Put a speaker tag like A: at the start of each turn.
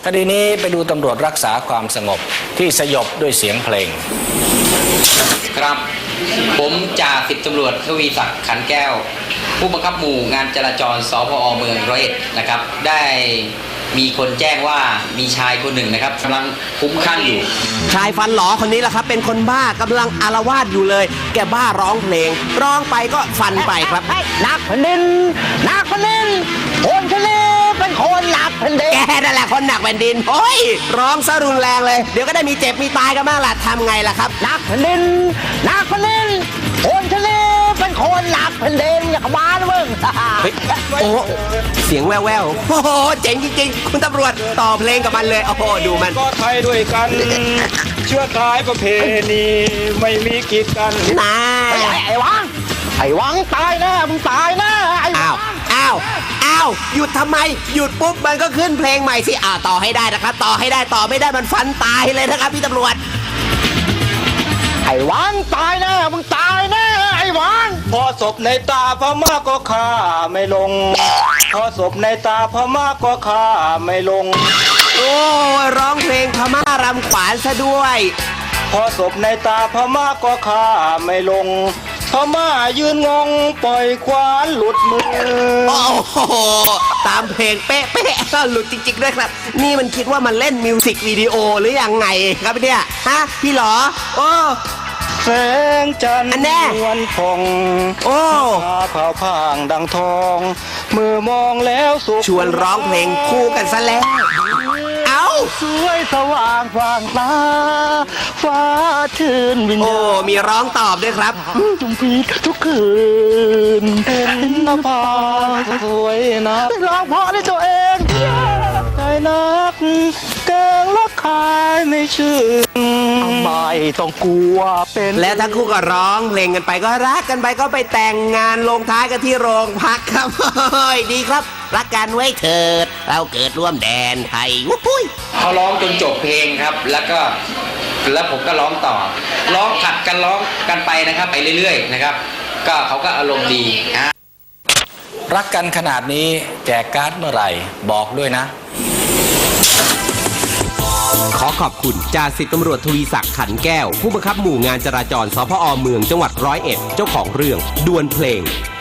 A: คดีนี้ไปดูตำรวจรักษาความสงบที่สยบด้วยเสียงเพลง
B: ครับผมจ่าสิบตำรวจทวีศักดิ์ขันแก้วผู้บังคับหมู่งานจราจรสพอเมืองร้อยเอ็ดนะครับได้มีคนแจ้งว่ามีชายคนหนึ่งนะครับกำลังคุ้มคลั่งอยู่
C: ชายฟันหลอคนนี้แหละครับเป็นคนบ้ากำลังอาละวาดอยู่เลยแกบ้าร้องเพลงร้องไปก็ฟันไปครับ
D: นักแผ่นดินนักแผ่นดินคนทะเลเป็นคนหนักแผ่นดิน
C: แกนั่นแหละคนหนักแผ่นดินโอ้ยร้องซะรุนแรงเลยเดี๋ยวก็ได้มีเจ็บมีตายกันบ้างล่ะทำไงล่ะครับ
D: นักแผ่นดินนักแผ่นดินคนทะเลเป็นคนหนักแผ่นดินอย่าเข้ามานะมึง
C: โอ้เสียงแว่วๆโอ้โหเจ๋งจริงๆคุณตำรวจต่อเพลงกับมันเลยโอ้โหดูมัน
E: ก็ไทยด้วยกันเชื้อสายประเพณีไม่มีกีดกัน
C: น่า
D: ไอ้วังตายแน่มึงตายแน่ไอ้
C: อ้าวหยุดทำไมหยุดปุ๊บมันก็ขึ้นเพลงใหม่สิต่อให้ได้นะครับต่อให้ได้ต่อไม่ได้มันฟันตายเลยนะครับพี่ตำรวจ
D: ไอ้วังตายแน่มึงตายแน่ไอ้วัง
E: พอศพในตาพม่าก็ฆ่าไม่ลงพอศพในตาพม่าก็ฆ่าไม่ลง
C: โอ้ร้องเพลงพม่ารำขวานซะด้วย
E: พอศพในตาพม่าก็ฆ่าไม่ลงพม่ายืนงงปล่อยขวานหลุดมือ
C: โอ้โหตามเพลงเป๊ะหลุดจริงๆด้วยครับนี่มันคิดว่ามันเล่นมิวสิกวิดีโอหรือยังไงครับเนี่ยฮะพี่หรอโอ้
E: แสงจันทร์นวลพอง
C: โอ้
E: เผาพางดังทองมือมองแล้วสุข
C: ชวนร้องเพลงคู่กันซะแล้ว
E: สวยสว่างฟางตาฟ้าชื่นวิญญาณ
C: มีร้องตอบด้วยครับ
E: จุ่มพีทุกคืนเห็นนภาสวยนะ
D: ร้องเพราะในตัวเอง
E: ใจนักแกงรักคายไม่ชื่นไม่ต้องกลัวเป็น
C: และทั้งคู่ก็ร้องเพลงกันไปก็รักกันไปก็ไปแต่งงานลงท้ายกันที่โรงพักครับดีครับรักกันไว้เถิดเราเกิดร่วมแดนไทยวุ้ย
B: เขาร้องจนจบเพลงครับแล้วผมก็ร้องต่อร้องผัดกันร้องกันไปนะครับไปเรื่อยๆนะครับก็เขาก็อารมณ์ดี
A: รักกันขนาดนี้แจกการ์ดเมื่อไหร่บอกด้วยนะ
C: ขอขอบคุณจ่าสิบตำรวจทวีศักดิ์ขันแก้วผู้บังคับหมู่งานจราจรสพอเมืองจังหวัดร้อยเอ็ดเจ้าของเรื่องดวลเพลง